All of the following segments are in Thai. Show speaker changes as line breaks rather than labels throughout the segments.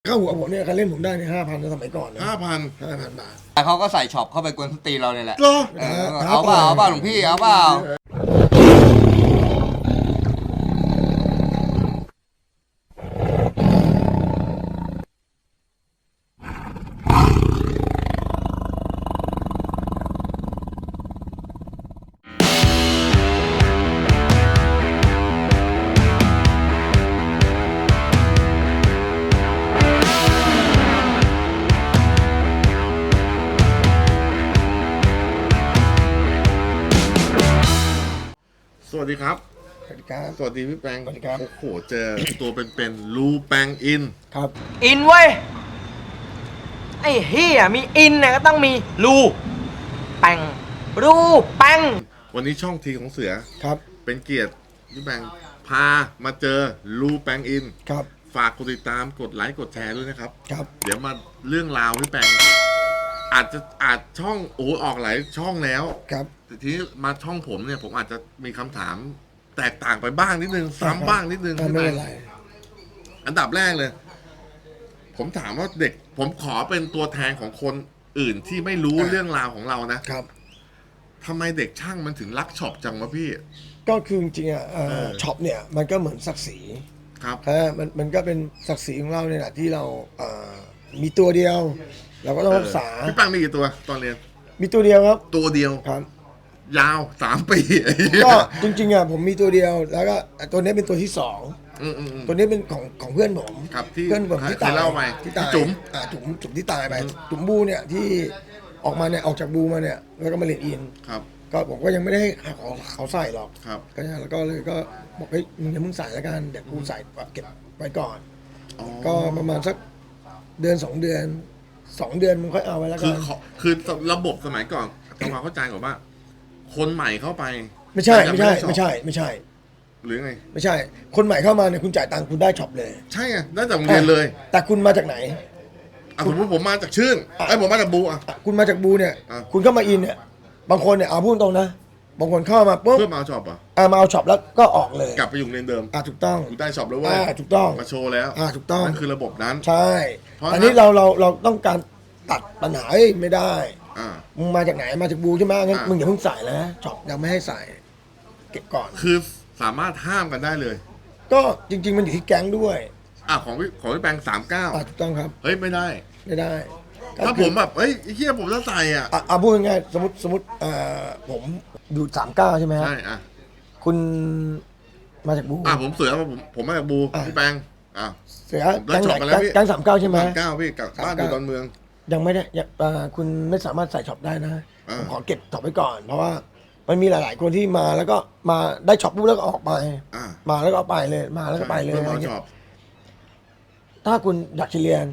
เข้าหัวผมเนี่ยการเล่นผมได้ใน5,000ในสมัยก่อนนะ
5,000
บาท
แต่เขาก็ใส่ช็อปเข้าไปกวนสตรีเราเนี่ยแหละ
เหรอ
เอาเปล่าหลวงพี่เอาเปล่า
สวัสดีครับ
สวัสดีครับ
สวัสดีพี่แปง
สวัสดีครับ
โอ้โหเจอตัวเป็นๆรูแปงอิน
ครับ
อินเว้ย ไอ้เฮียมีอินเนี่ยก็ต้องมีรูแปงรูแปง
วันนี้ช่องทีของเสือ
ครับ
เป็นเกียรติพี่แปงพามาเจอรูแปงอิน
ครับ
ฝากกดติดตามกดไลค์กดแชร์ด้วยนะครับ
ครับ
เดี๋ยวมาเรื่องราวพี่แปงอาจช่องออกหลายช่องแล้ว
ครับ
แต่ทีนี้มาช่องผมเนี่ยผมอาจจะมีคำถามแตกต่างไปบ้างนิดนึงซ้ำบ้างนิดนึง
ไม่
พี่แป
เป็
ง
นไร
อันดับแรกเลย ผมถามว่าเด็ก ผมขอเป็นตัวแทนของคนอื่นที่ไม่รู้เรื่องราวของเรานะครับ ทำไมเด็กช่างมันถึงรักช็อปจังวะพี่
ก็คือจริงๆอ่ะช็อปเนี่ยมันก็เหมือนศักดิ์ศรี
ครับ
มันก็เป็นศักดิ์ศรีของเราเนี่ยแหละที่เรามีตัวเดียว เราก็ต้องรักษา
พี่ปังมีกี่ตัวตอนเรียน
มีตัวเดียวครับ
ตัวเดียว
ครับ
ยาว3 ปี
ก็จริงๆอ่ะผมมีตัวเดียวแล้วก็ตัวนี้เป็นตัวที่สอง
อืม
ตัวนี้เป็นของเพื่อนผม
ครับที่
เพื่อนผมที่
เค
ตาย
ยเล่าไป
ที่ตาย
ที่จุ๋ม
จุ๋มที่ตายไปจุ๋มบูเนี่ยที่ออกมาเนี่ยออกจากบูมาเนี่ยแล้วก็มาเรียนอิน
ครับ
ก็ผมก็ยังไม่ได้ให้เขาใส่หรอก
ครับ
ก็เนี่ยแล้วก็เลยก็บอกเฮ้ยมึงอย่ามึงใส่แล้วกันเดี๋ยวกูใส่เก็บไว้ก่อน
อ๋อ
ก็ประมาณสักเดือน2 เดือนมึงค่อยเอาไว้แล้ว
คื
กั
อน คือระบบสมัยก่อนทำความเข้าใจก่อนว่า คนใหม่เข้าไป
ไม่ใช่
แต่
ไม่
ยัง
ใช่
ด้ช็อป
ไม่ใช่ไม่ใช่
หรือไง
ไม่ใช่ คนใหม่เข้ามาเนี่ยคุณจ่ายตังค์คุณได้ช็อปเลย
ใช่ไงได้จากโรงเรียนเลย
แต่คุณมาจากไหน
สมมติผมมาจากชื่นผมมาจากบูอ่ะ
คุณมาจากบูเนี่ย
อ่ะ
คุณเข้ามาอินเนี่ยบางคนเนี่ยเอาพูดตรงนะบางคนเข้ามาปุ๊บ
เพื่อมาเอาช็อปอ่ะ
มาเอาช็อปแล้วก็ออกเลย
กลับไปอยู่โรงเรียนเดิม
ถูกต้อง
กูได้ช็อปแล้วเว้ย
ถูกต้อง
มาโชว์แล้ว
ถูกต้อง
นั่นคือระบบนั้น
ใช่
เพราะ
อันนี้เราต้องการตัดปัญหาไม่ได้
อ่า
มึงมาจากไหนมาจากบูใช่ไหมงั้น
อ่ะ
มึงอย่าเพิ่งใส่นะช็อปยังไม่ให้ใส่เก็บก่อน
คือสามารถห้ามกันได้เลย
ก็จริง ๆ มันอยู่ที่แก๊งด้วย
ของพี่แปง39
ถูกต้องครับ
เฮ้ยไม่ได้
ไม่ได้
ถ้าผมแบบเฮ้ยไอ้เหี้ยผมจะใส่อ่ะ
พูดง่ายๆสมมติผมอยู่39ใช่ไหมฮะ
ใช่อ่ะ
คุณมาจากบู
ผมเสือผมมาจากบู
อ่ะ
พี่แปงอ่ะ
เสือ
ผมได้
แก๊ง
ช็
ไห
อป
น
มาแล้วพี่
แก๊ง39ใช่ไหม
39พี่กับบ้านอยู่ดอนเมือง
ยังไม่ได้คุณไม่สามารถใส่ช็อปได้นะ
อ่า
ผมขอเก็บช็อปไว้ก่อน เพราะว่ามันมีหลาย ๆ คนที่มาแล้วก็มาได้ช็อปปุ๊บแล้วก็ออกไป
อ่ะ
มาแล้วก็เอาไปเลยมาแล้วก็ไปเลย
เพื่อ
อะไร
มา
เงี้
ช็อย ป
ถ้าคุณอยากจะเรียน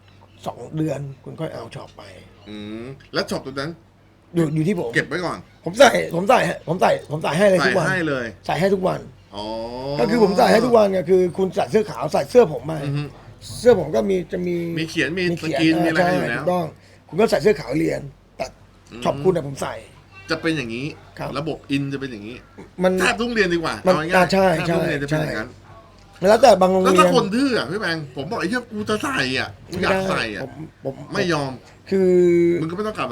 2 เดือน คุณค่อยเอาช็อปไป
แล้วช็อปตัวนั้น
อยู่ที่ผม
เก็บไว้ก่อน
ผมใส่ให้เลย
ใส่
ทุกวัน
ให้เลย
ใส่ให้ทุกวัน
อ๋อ
ก็คือผมใส่ให้ทุกวันไงคือคุณใส่เสื้อขาวใส่เสื้อผมมา
อือฮึ
เสื้อผมก็จะมี
มีเขียนมีส
เขีย
กรีนมีอะไร
ใช่
อยู่แล้
ถู
ว
กต้อง คุณก็ใส่เสื้อขาวเรียนแต่ช็อปคุณผมใส่
จะเป็นอย่างนี้
ครับ
ระบบอินจะเป็นอย่างนี้
มัน
แทบทุกเรียนดีกว่า
มัน
เอาง่ายๆ
ใช่
แทบทุกเรียนจะเป็นอย่างนั้น
แล้วแต่บางโรง
แล้ว
เรี
ถ้าย
น
คนดื้ออ่ะพี่แบงค์ผมบอกไอ้เหี้ยกูจะใส่อ่ะกูอยากใส่อ่ะ
ผม
ไม่ยอม
คือ
มึงก็ไม่ต้องกลับ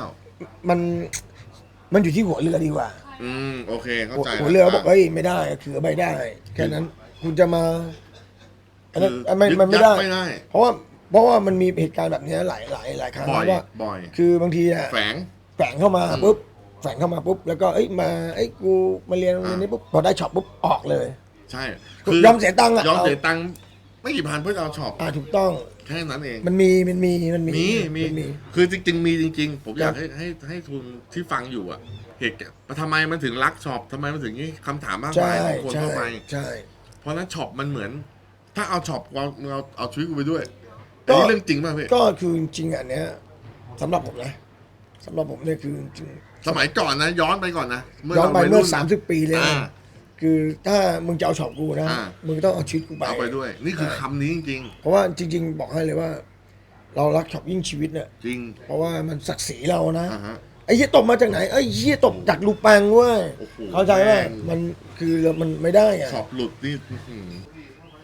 มันอยู่ที่หัวเรือดีกว่า
โอเคเข้าใจ
หัวเรือบอกเฮ้ยไม่ได้คือไม่ได้แค่นั้นคุณจะมาอันนั้นมันไม่ได้
ไม่ได้
เพราะว่ามันมีเหตุการณ์แบบนี้หลายครั้ง
บ่อย
ว่า
บ่อย
คือบางทีอะ
แฝง
แฝงเข้ามาปุ๊บแล้วก็กูมาเรียนโรงเรียนนี้ปุ๊บพอได้ช็อปปุ๊บออกเลย
ใช่
ยอมเสียตังค์อะ
ยอมเสียตังค์ไม่กี่พันเพื่อจะเอาช็อป
ถูกต้อง
แค่นั้นเอง
มันมี
คือจริงๆมีจริงๆ ผมอยาก
ครับ
ให้ทุนที่ฟังอยู่อ่ะเหตุการณ์ทำไมมันถึงรักช็อปทำไมมันถึงนี้คำถามมาก
ใช่
มายของคน
ใช่
เข้าไป
ใช่
เพราะฉะนั้นช็อปมันเหมือน ถ้าเอาช็อปเราเอาชีวิตกูไปด้วย
ก็
อันนี้เรื่องจริงป่ะพี่
ก็คือจริงๆอันเนี้ยสำหรับผมนะสำหรับผมเนี่ยคือจริง
สมัยก่อนนะ ย้อนไปก่อนนะ
ย้อนไป
ราวัย
เมื่อ
รุ่นะ
30 ปีเลย
อ่า
คือถ้ามึงจะเอาช็อปกูนะ
อ่า
มึงต้องเอาชีวิตกูไป
เอาไปด้วย นี่คือคำนี้จริง
เพราะว่าจริง ๆ บอกให้เลยว่า เรารักช็อปยิ่งชีวิตเนี่ย
ๆ จริง
เพราะว่ามันศักดิ์ศรีเรานะ
อ่าฮะ
ไอ้เหี้ยตบมาจากไหนไอ้เหี้ยตบจากลูปังเว้ย
โอ้โห
เข้าใจไหม
แม่ง
มันคือมันไม่ได้อะ
ช็อปหลุดนี่อื้อหือ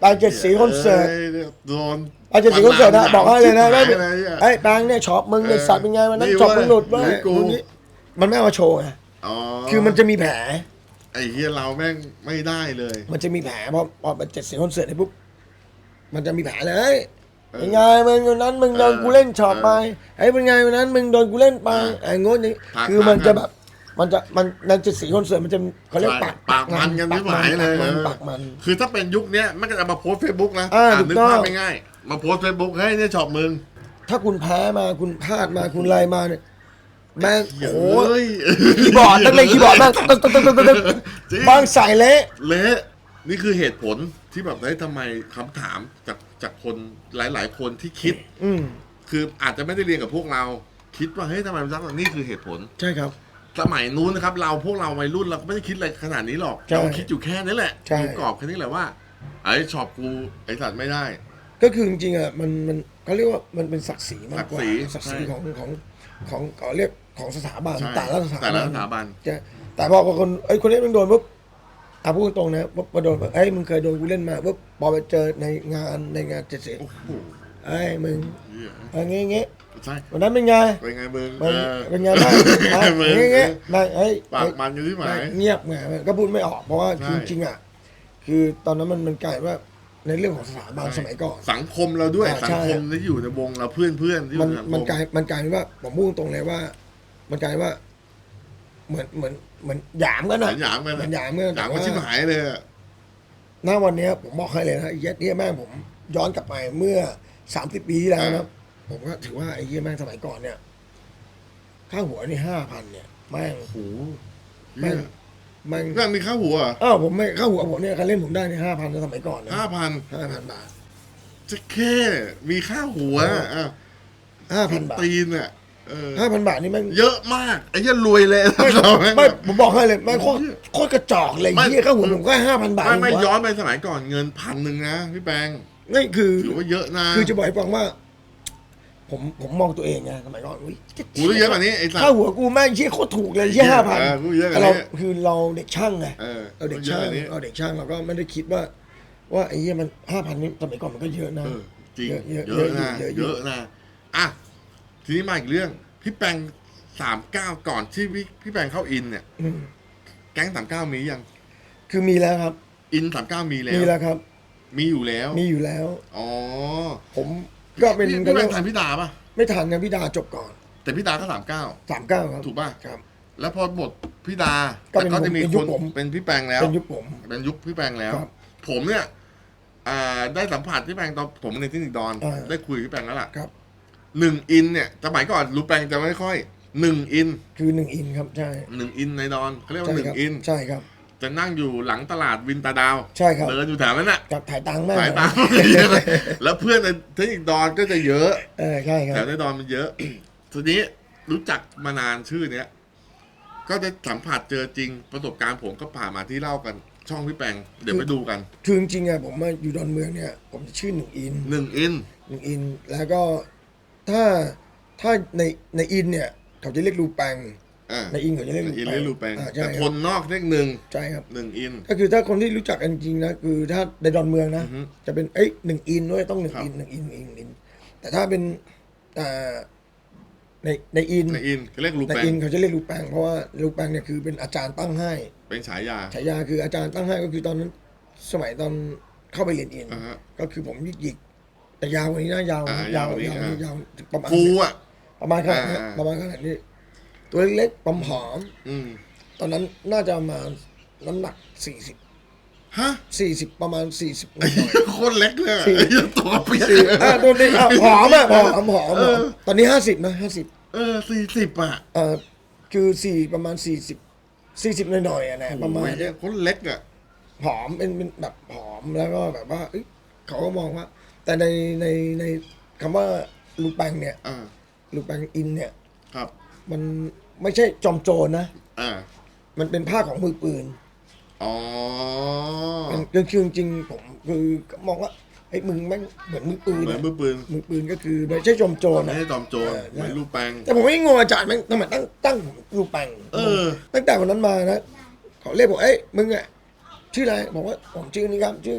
ปางเจ็ดสีคอนเสิร์ต
โดน
ปางเจ็ดสีคอนเสิร์ตนะบอกให้เลยนะ
ไม่
ไม่
อะไรอ่ะ
ไอ้ปางเนี่ยช็อปมึงเนี่ยสัตว์เป็นไงวันนั้น
นี่
ช็อปมึงหลุด
เว้
เว้
ย
ย
กู
มึงนี่มันไม่เอามาโชว์ไง
อ๋อ
คือมันจะมีแผล
ไอ้เฮียเราแม่งไม่ได้เลย
มันจะมีแผลพอเป็นเจ็ดสีคอนเสิร์ตเนี่ยปุ๊บมันจะมีแผลเลยเป็นไงมึงวันนั้นมึงโดนกูเล่นช็อปไปไอ้เป็นไงวันนั้นมึงโดนกูเล่นไปไอ้งดนี่คือมันจะแบบมันในเจ็ดสีคอนเสิร์ตมันจะเขาเรียก
ใช่ปากมันกันไม่ไหวเลย
ปากมัน
คือถ้าเป็นยุคเนี้ยมันก็จะมาโพสเฟซบุ๊กนะ
ถูก
นึก
ต้อง
ภาพไม่ง่ายมาโพสเฟซบุ๊กเฮ้ยเนี่ยช็อปมึง
ถ้าคุณแพ้มาคุณพลาดมาคุณไล่มาเนี่ยแม่งโอ้โห
เฮ้ย
คีย์บอร์ดตั้งเลยคีย์บอร์ดบ้างตึ๊กตึ๊กตึ๊กตึ๊กตึ๊ก
จริง
บางใส่เละ
เละนี่คือเหตุผลที่แบบได้ทำไมคำถามจากคนหลาย ๆ คนที่คิด คืออาจจะไม่ได้เรียนกับพวกเรา คิดว่าเฮ้ยทำไมมันซักนี่คือเหตุผล
ใช่ครับ
สมัยนู้นนะครับพวกเราวัยรุ่นเราก็ไม่ได้คิดอะไรขนาดนี้หรอก
ใช่
เราคิดอยู่แค่นี้แหละ
ใช่
อยู่กรอบแค่นี้แหละว่าไอ้ช็อปกูไอ้สัตว์ไม่ได้
ก็คือจริงๆอ่ะมันเขาเรียกว่ามันเป็นศักดิ์ศรีมากกว่า
ศักดิ์ศรี
ของเขาเรียกของสถาบัน
ใช่
แต่ละสถา
แต่ละ
บัน
สถาบัน
แต่พอคนคนนี้มันโดนปุ๊บพูดตรงนะปุ๊บมาโดนปุ๊บมึงเคยโดนกูเล่นมาปุ๊บพอไปเจอในงานเจ็ดสี
โอ้โห
มึง
เหี้ย
เงี้ย
ใช่
วันนั้นเป็นไง
เป็นไงมึง
เป็นไงบ้าง
มึง
เงี้ยๆ
ปากมันอยู่ที่หมาย
เงียบไงก็พูดไม่ออกเพราะว่า
ใช่
จริงๆอ่ะคือตอนนั้นมันกลายว่าในเรื่องของสถาบันสมัยก่อน
สังคมเราด้วย
ใช่
สังคมที่อยู่ในวงเราเพื่อนที่อยู่ในสังค
มันกลายเป็นว่าผมพูดตรงเลยว่า มันกลายว่า เหมือนหยามกัน
ห
นะ
ยามกัน
เหมือนหยามกัน
หยามกันชิบหายเลยอะ
ณวันเนี้ยผมบอกให้เลยนะไอ้เหี้ยเนี่ยแม่งผมย้อนกลับไปเมื่อ30 ปีที่แล้วนะผมก็ถือว่าไอ้เหี้ยแม่งสมัยก่อนเนี่ยค่าหัวนี่5,000เนี่ยแม่ง
โอ้โห
แม่ง
นั่นมีค่าหัว
ผมไม่ค่าหัวผมเนี่ยการเล่นผมได้เนี่ย5,000ในสมัยก่อนนะ
5,000
บาท
จะแค่มีค่าหัวอ่ะ
5,000 บาท
ตีนอ่ะ
5,000 บาทนี่แม่ง
เยอะมากไอ้เหี้ยรวยเลย
ไม่ผมบอกให้เลยแม่งโคตรกระจอกเลยเหี้ยค่าหัวผมก็5,000 บาท
ไม่
เองวะ
ย้อนไปสมัยก่อนเงิน1,000นะพี่แปง
นี่คือ
ถือว่าเยอะนะ
คือจะบอกให้ฟังว่า ผมมองตัวเองไงสมัยก่อนอุ้ย
กูได้เยอะกว่านี้ไอ้สัต
ค่า
ว์
หัวกูแม่งเชี่ยโคตรถูกเลยเชี่ย5,000
กูเยอะกว่านี้
เราคือเราเด็กช่างไง เราเด็กช่าง
เยอะกว่านี้
เราเด็กช่างเราก็ไม่ได้คิดว่าไอ้เหี้ยมัน5,000นี่สมัยก่อนมันก็เยอะนะ
จริง
เยอะ
เยอะนะ
เยอะ
เยอะนะอ่ะทีนี้มาอีกเรื่องพี่แปง39ก่อนที่พี่แปงเข้าอินเนี่ย
อืม
แก๊ง39มียัง
คือมีแล้วครับ
อิน39มีแล้ว
มีแล้วครับ
มีอยู่แล้ว
มีอยู่แล้ว
อ๋อ
ผมก็เป็น
พี่แปงทันพี่ดาป่ะ
ไม่ทันนะพี่ดาจบก่อน
แต่พี่ดาก็39
39ครับ
ถูกป่ะ
ครับ
แล้วพอบทพี่ดา
ก็
แต่
เป็น
ก็จะมี
เป็น
ค
ยุคน ผม
เป็นพี่แปงแล้ว
เป็นยุคผม
เป็นยุคพี่แปงแล้ว
ครับ
ผมเนี่ยได้สัมผัสพี่แปงตอนผมในที่นิกดอน ได้คุยกับพี่แปงแล้วล่ะ
ครับ
1 อินเนี่ยสมัยก่อนรูแปงจะไม่ค่อย1 อิน
คือ1 อินครับใช่
1 อินในดอนเขาเรียก
ใช่
ว่า
ครับ
1 อิน
ใช่ครับ
จะนั่งอยู่หลังตลาดวินตาดาว
ใช่ครับ
เดินอยู่แถวนั้นน่ะ
กับถ่ายตังค์แม่ง
สายตาม แล้วเพื่อนในเทคนิคดอนก็จะเยอะ
ใช่ครั
แถ
บ
วในดอนมันเยอะ ทีนี้รู้จักมานานชื่อเนี้ยก็ได้สัมผัสเจอจริงประสบการณ์ผมก็ผ่านมาที่เล่ากันช่องพี่แปงเดี๋ยวไปดูกัน
คือจริงๆอะผมมาอยู่ดอนเมืองเนี่ย ผมจะชื่อ1 อิน
1 อิน
1 อิน แล้วก็ถ้าในอินเนี่ย เขาจะเรียกรูแปง ในอินเขาจะเรียก
อินเรียกรูแปง
ใช่
แต่
ค
ครับ นนอกเรียก1
ใช่ครับ
อิน
ก็คือถ้าคนที่รู้จักกันจริงๆนะคือถ้าในดอนเมืองนะ
อือฮึ
จะเป็น1 อินด้วยต้อง1 อิน 1 อิน 1 อิน แต่ถ้าเป็นในอิน
ในอินเขาเรียกรู
ใน
แปง
อินเขาจะเรียกรูแปงเพราะว่ารูแปงเนี่ยคือเป็นอาจารย์ตั้งให้
เป็นฉายา
ฉายาคืออาจารย์ตั้งให้ก็คือตอนนั้นสมัยตอนเข้าไปเรียนอิน
อ่าฮะ
ก็คือผมหยิกๆแต่ยาวกว่านี้นะยาว
ยาวกว่านี้
ยาวถึงประมาณ
ฟูอ่ะ
ประมาณขนาดนี้
อ่า
ประมาณขนาดนี้ ตัวเล็กๆผอม
อืม
ๆตอนนั้นน่าจะมาน้ำหนัก40
ฮะ
ประมาณ40หน่
ไอ้
อย
เหี้ยโคตรเล็กเลยอะ
สี่
ไอ้เหี้ยตัวเปียก
ตัวนี้ผอมอ่ะผอมตอนนี้50นะ50
40อ่ะ
คือประมาณ40หน่อยๆอ่ะนะประมาณ
โอ้ยเนี่ยโคตรเล็กอ่ะ
ผอมเป็นแบบผอมแล้วก็แบบว่าเอ้ยเขาก็มองว่า แต่ในคำว่าลูแปงเนี่ย
อ่า
ลูแปงอินเนี่ย
ครับ
มันไม่ใช่จอมโจรนะ
อ่า
มันเป็นผ้าของมือปืน
อ๋อ
คือจริงๆผมคือมองว่าไอ้มึงแม่งเหมือนมือปืน
เหมือน
อะ
มือปืน
มือปืนก็คือไม่ใช่จอมโจร
ไม่
นะ
ใช่จอมโจรเหมือนรูปแปง
แต่ผมไม่งงอาจารย์แม่งทำไมตั้งผมลูแปง
เออ
ตั้งแต่วันนั้นมานะเขาเรียกผมเอ้ยมึงอะชื่ออะไรบอกว่าผมชื่อนี้ครับชื่อ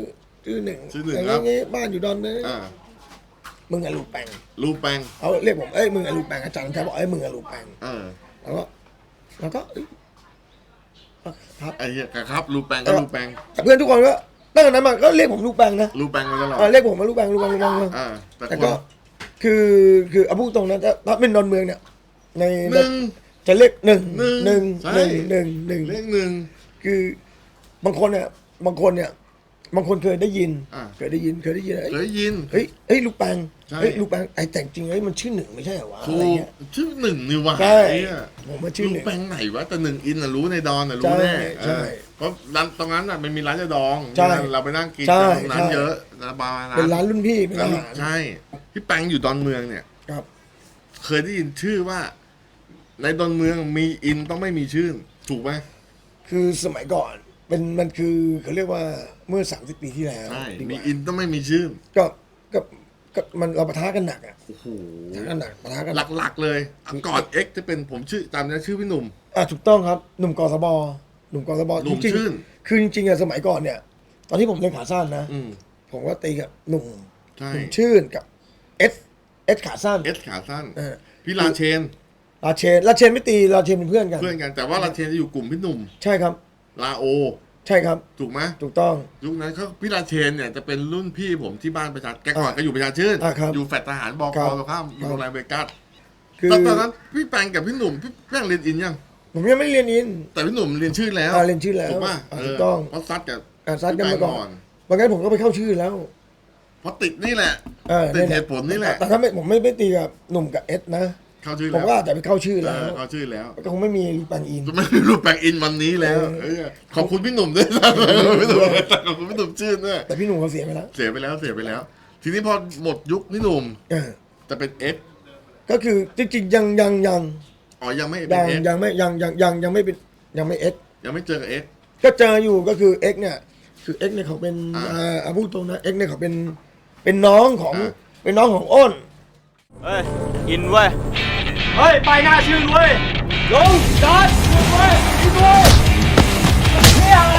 ชื่อหนึ่ง
ชื่อหนึ่ง
อย่าง
ครับ
งี้บ้านอยู่ดอนเมือง
อ่า
มึงอะลูกแปง
รูปแปลง
เขาเรียกผมเอ้ยมึงอะลูกแปงอาจารย์แค่บอกเอ้ยมึงอะลูกแปง
เออ
แล้วก็เอ้ยครับ
ไอ้เหี้ยครับรูปแปลงก็รูปแปลง
แต่เพื่อนทุกคนก็ตั้งแต่นั้นมาก็เรียกผมลูกแปงนะ
รูปแปลงมาตลอด
เรียกผมมาลูกแปงลูกแปงลูกแปง
อ่าแต่
แต่
ค
ก็
น
คือเอาพูดตรงนะถ้าเป็นดอนเมืองเนี่ยใน
หนึ่ง
จะเรียกหนึ่ง
หนึ่งใช่
หนึ่ง
เลขหนึ่ง
คือบางคนเนี่ยบางคนเคยได้ยิน
อ่า
เคยได้ยินเอ้ย
เคยยิน
เฮ้ยลูกแปง
ใช่
เฮ้ยลูกแปงไอ้แต่จริงเฮ้ยมันชื่อหนึ่งไม่ใช่เหรอวะ
ถู
อะไร
ก
เงี้ย
ชื่อหนึ่งนี่วะ
ใช่
ไอ้เหี้ย
ผมมาชื่อ
รู
ห
ป
นึ่ง
แปลงไหนวะแต่หนึ่งอินน่ะรู้ในดอนน่ะรู้
ใช่
แน่
ใช่
เพราะร้านตรงนั้นน่ะมันมีร้านยาดอง
ใช่
เราไปนั่งกิน
ใช่
กันตรงนั้น
ใช่
เยอะนะบาร์
เป็นร้านรุ่นพี่เป็น
ร้า
อาน หาร
ใช่พี่แปงอยู่ดอนเมืองเนี่ย
ครับ
เคยได้ยินชื่อว่า ในดอนเมืองมีอินต้องไม่มีชื่อถูกไหม
คือสมัยก่อนมันคือเขาเรียกว่าเมื่อ30 ปีที่แล้ว
ใช่
ดีก
มี
ว่า
อินต้องไม่มีชื่อ
ก็มันเราปะทะกันหนักอ่ะ
โอ้โห
ปะทะกันหนักปะทะกันหนัก
หลักๆเลยก่อนเอ็กจะเป็นผมชื่อจำได้ชื่อพี่หนุ่ม
ถูกต้องครับหนุ่มกสบหนุ่มกสบ
หนุ่ม
จริง
ชื่น
ๆคือจริงๆอะสมัยก่อนเนี่ย ตอนที่ผมเล่นขาสั้นนะ
อืม
ผมก็ตีกับหนุ่ม
ใช่
หนุ่มชื่นกับเอสขาสั้น
เอสขาสั้น
เออ
พี่ลาเชน
ลาเชนไม่ตีลาเชนเป็นเพื่อนกัน
เพื่อนกันแต่ว่าลาเชนจะอยู่กลุ่มพี่หนุ่ม
ใช่ครับ
ลาโอ
ใช่ครับ
ถูกไหม
ถูกต้อง
ยุคนั้นเขาพี่ลาเชนเนี่ยจะเป็นรุ่นพี่ผมที่บ้านประชาแกก่อนก็อยู่ประชาชื่น
ครับ
อยู่แฟลตทหารบก
ครับ
ตรงข้ามอยู่โรงแรมเวกัส
คือ
ตอนนั้นพี่แปงกับพี่หนุ่มพี่แปงเรียนอินยัง
ผมยังไม่เรียนอิน
แต่พี่หนุ่มเรียนชื่อแล้ว
เรียนชื่อแล้ว
ถูกป่ะ
ถูกต้อง
เพราะซัดกับ
ซัดกันมาก่อน
พี่แปง
บางงั้นผมก็ไปเข้าชื่อแล้ว
เพราะติดนี่แหละ
นี่ย
เหตุผลนี่แหละ
แต่ถ้าผมไม่ตีกับหนุ่มกับเอสนะ
เข้าชื่อ
ผม
แล้ว
ก็อาจจะไปเข้าชื่อ
เอ
แล้ว
อเข้าชื่อแล้ว
ก็คงไม่มีลูกปังอิน
จะไม่มีรูปแปลงอินวันนี้แล้วเออขอบคุณพี่หนุ่มด้วยนะพี่หนุ่มขอบคุณพี่หนุ่มชื่นด้วย
แต่พี่หนุ่มเขาเสียไปแล้ว
เสียไปแล้วเสียไปแล้ว ทีนี้พอหมดยุคพี่หนุ่ม
เออ
จะเป็นเอ็ก
ก็คือจริงๆยัง
อ๋อยังไม่เป็นเอ็ก
ยังไม่ยังไม่เป็นยังไม่เอ็ก
ยังไม่เจอกับเอ็ก
ก็เจออยู่ก็คือเอ็กเนี่ยคือเอ็กเนี่ยเขาเป็น พูดตรงนะเอ็กเนี่ยเขาเป็นน้องของเป็นน้องของอ้น
เฮ้ย อินเว้ย เฮ้ย ไปหน้าชื่นเว้ย ลงจอดเว้ยอินเว้ยนี่อะไร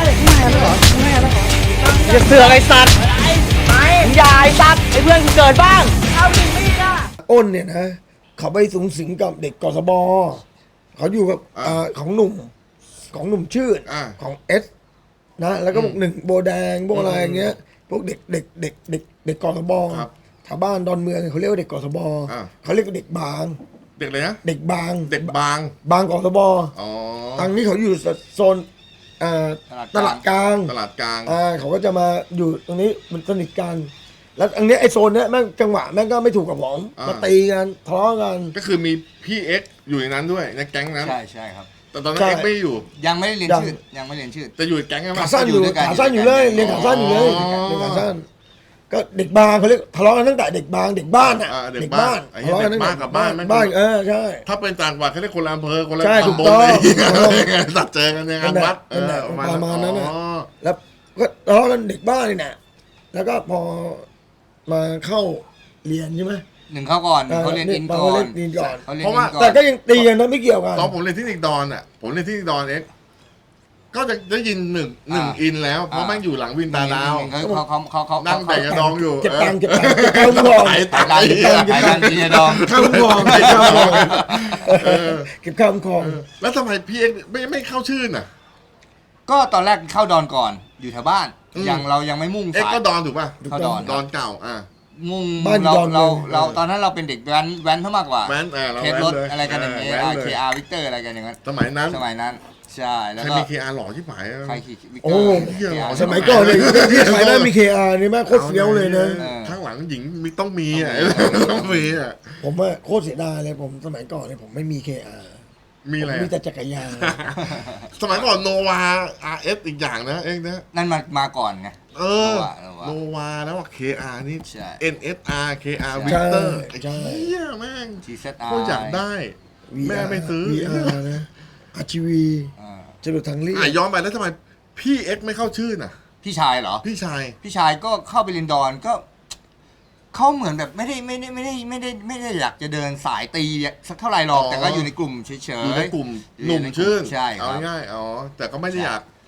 อย่าเสือกไอ้สัตว์อย่าไอ้สัตว์ไอ้เพื่อนกูเกิดบ้าง เอาดิมีดอ่ะ
อ้นเนี่ยนะเขาไปสูงสิงกับเด็กกสบเขาอยู่กับของหนุ่มชื่นของเอสนะแล้วก็พวกหนึ่งโบแดงพวกอะไรอย่างเงี้ยพวกเด็กกสบชาวบ้านดอนเมืองเขาเรียกว่าเด็กกสบเขาเรียกว่าเด็กบาง
เด็กเลยนะ
เด็กบาง
เด็กบาง
บางกสบ
อ๋อ
ทางนี้เขาอยู่โซนตลาดกลาง
ตลาดกลาง
เขาก็จะมาอยู่ตรงนี้มันสนิทกัน แล้วอันนี้ไอโซนเนี้ยแม่งจังหวะแม่งก็ไม่ถูกกับผมมาตีกันทะเลาะกัน
ก็คือมีพี่เอ็กอยู่ในนั้นด้วยในแก๊งนั้น
ใช่ใช่ครับ
แต่ตอนนั้น
ใช่
เอ็กไม่อยู่
ยังไม่ได้เรียนชื่อยังไม่เรียนชื่อ
จะอยู่ในแก๊งใช่ไหม
ขาสั้นอยู่
อยู่ด้วยกัน
ขาสั้นอยู่เลยเรียนขาสั้นอยู่เลย
อ๋อ
เรียนขาสั้นก็เด็กบางเขาเรียกทะเลาะกันตั้งแต่เด็กบางเด็กบ้านอ่ะ
เด็กบ้านไอ้เหี้ย
ทะเลาะกันตั้งแต่
เด็กบ้านกับบ้านแม่ง
บ้านใช่
ถ้าเป็นต่างจังหวัดเขาเรียกคนละอำเภอคนละ
ใช่ถูก
ตำบล
ต้อง
อะไรอย่างเงี้ยตัดเจอกันในงานวัด
นั่นแหละประมาณนั้นน่ะ
อ๋อ
แล้วก็ทะเลาะกันเด็กบ้านนี่แหละแล้วก็พอมาเข้าเรียนใช่ไหม
หนึ่งเข้าก่อนเขาเรียนอินก่อน
เขาเรียนอินก่อน
เขาเรียนอินก่อน
แต่ก็ยังตีกันนะไม่เกี่ยวกัน
ตอนผมเรียนที่นิกดอนอ่ะผมเรียนที่นิกดอนเอ็กก็จะได้ยินหนึ่งอินแล้วเพราะแม่งอยู่หลังวินตาดาว
เขา
นั่งแบ่งกระดองอยู่
เก็บตังค์เข้าก่อน
ไอ้
ไป
ตาย
กันไปกันกินยาดอง
เข้าก่อนเก็บข้ามคลอง
แล้วทำไมพี่เอ็กไม่เข้าชื่อน่ะ
ก็ตอนแรกเข้าดอนก่อนอยู่แถวบ้าน
อืม
ยังเรายังไม่มุ่ง
เอ็ก
สาย
ก็ดอนถูกป่ะ
เข้าดอน
ดอนเก่า
มุ่ง
บ้าน
เรา
ดอน
เราตอนนั้นเราเป็นเด็กแว้นเท่ามากกว่า
แว้นเรา
เคส
แว้น
รถ
เลย
อะไรกันอย่างเงี้ย
แว้นเลย
KR วิกเตอร์อะไรกันอย่างเงี้ย
สมัยนั้น
สมัยนั้นใช่แล้ว
ใคร
ก็
มีเคอาร์หล่อที่หมาย
ใครขี่วิกเต
โอ้
อร์
เหี้ย
KR
สมัยก่อนเลยที่ขายได้มี KR นี่แม่งโคตรเฟี้ยวเลยนะ
ข้างหลังหญิงมีต้องมีอ่ะต้องมีอ่ะ
ผมว่าโคตรเสียดายเลยผมสมัยก่อนเนี่ยผมไม่มี KR
มีอะไร
ผมมีแต่จักรยาน
สมัยก่อนโนวา RS อีกอย่างนะเองนะ
นั่นมาก่อนไง
เออ
โนวา
โนวาแล้วว่า KR นี่
ใช่
NSR KR
ใช่
Victor
ใช่
ไอ้เหี้ยแม่ง
TZR
ก็อยากได้ แม่ไม่ซื้อ
VR นะ RGV
อ่า
จรวดทางเรียบ
ย้อนไปแล้วทำไมพี่เอ็กไม่เข้าชื่อน่ะ
พี่ชายเหรอ
พี่ชาย
พี่ชายก็เข้าไปเรียนดอนก็เขาเหมือนแบบไม่ได้อยากจะเดินสายตีสักเท่าไหร่หรอก
อ๋อ
แต่ก็อยู่ในกลุ่มเฉย
อยู่ในกลุ่ม
อยู่
หนุ่ม
ในกลุ่ม
ชื่น
ใช่ครับ
เอาง่ายๆอ๋อแต่ก็ไม่ได้อยาก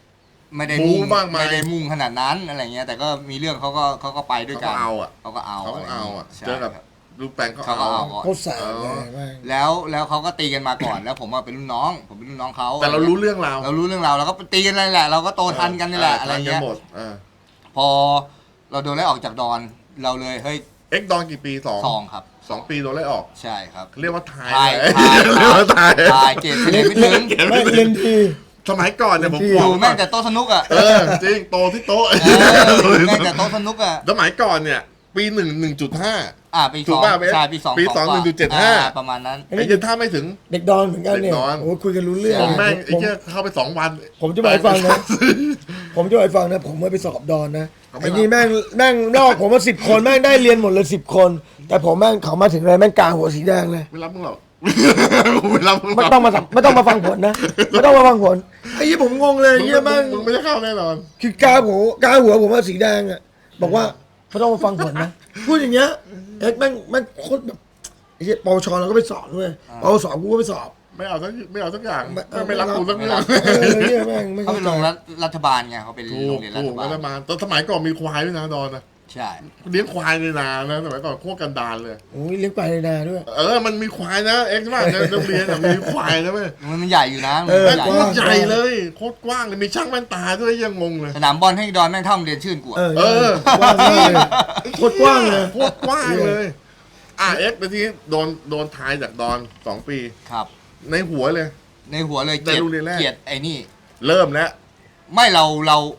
ไม่ได้
บู๊
มุ่ง
มากมาย
ไม่ได้มุ่งขนาดนั้นอะไรเงี้ยแต่ก็มีเรื่องเขาก็ไปด้วยกัน
เขาก็เอาอ่ะ
เขาก็เอา
เขาก็เอาอ่ะ
ใช่
เจอกับ
ครับ
ลูกแปลง
เขาก็เอาก่อน
โคตรแสบเลยแม่ง
แล้วเขาก็ตีกันมาก่อน แล้วผมว่าเป็นรุ่นน้องผมเป็นรุ่นน้องเขา
แต่เรารู้เรื่องราว
เรารู้เรื่องราวเราก็ตีกันนั่นแหละเราก็โตทันกันนี่แหละอะไร
ทันกั
เงี้ย
หมด
พอเราโดนไล่ออกจากดอนเราเลยเฮ้ย
เอ็กดอนกี่ปีสอง
ซองครับ
2 ปีโดนไล่ออก
ใช่ครับ
เรียกว่าทาย
ทาย
เลย
ทาย
เรียกว่าทาย
ทายเกรดเฉลี่ยไม่ถึง
ไม่เรียนดี
สมัยก่อนเนี่ยผม
ที่
บ
อ
อก
ยู่แม่งแต่โต๊ะสนุกอ่ะ
จริงโตที่โต๊ะ
แม่งแต่โต๊ะสนุกอ่ะ
สมัยก่อนเนี่ย ปี1.5
ปี
ถู
ส
ก
อง
ป่ะเบส
ใช่ปีสอง
ปี
กว่า
1.75
ประมาณนั้น
ไอ้เหี้ยถ้าไม่ถึง
เด็กดอนเหมือนกันเนี่ย
เด็กดอน
โอ้คุยกันรู้เรื่อง
ผมแม่งไอ้
ผม
เหี้ยเข้าไป2 วัน
ผมจะบอกให้ฟังนะ ผมจะบอกให้ฟังนะ ผมไปสอบดอนนะ
เขาไม่
ไอ้นี่แม่งลอกผมมา10 คนแม่งได้เรียนหมดเลย10 คน แต่ผมแม่งเขามาถึงเลยแม่งกาหัวสีแดงเลย
ไม่รับมึงหรอกไม่รับมึงหร
ไม่
อก
ต้องมาฟังผลนะไม่ต้องมาฟังผลไอ้ยี่ผมงงเลยไอ้ยี่แม่ง
มึงไม่ได้เข้าแน่นอน
คือกาหัวผมว่าสีแดงอ่ะบอกว่าไม่ต้องมาฟังผลนะพูดอย่างเงี้ยเอ็กแม่งโคตรแบบไอ้ยี่ปวชเราก็ไปสอบด้วยปวสกูก็ไปสอบ
ไม่เอาสักอย่างไม่รับกูสักเรื่อง
เนี่ยแม่งไม่
เขา
เข้า
เป็น
ใจ
โรงรัฐบาลไงเขาเป็น
ถู
โร
ก
งเรียนรั
ถู
ฐ
ก
บาล
รัฐบาลตอนสมัยก่อนมีควายด้วยนะดอนนะ
ใช่
เลี้ยงควายในนานะสมัยก่อนโคตรกันดารเลย
โอ้ยเลี้ยงไปในนาด้วย
มันมีควายนะเอ็กซ์ว่าในโรงเรียนมีควายนะเว้ย
มันใหญ่อยู่นะ
เออ
โคตรใหญ่เลยโคตรกว้างเลยมีช่างแว่นตาด้วยยังงงเลย
สนามบอลให้ดอนแม่งเท่าโรงเรียนชื่นกูอะ
กว้างเลยโคตรกว้างเลย
โคตรกว้างเลยเอ็กซ์ไปที่โดนทายจากดอน2 ปี
ครับ
ในหัวเลย
ในหัวเลย
ในโรงเรียนแรก
เกลียดไอ้นี่
เริ่มแล้ว
ไม่เรา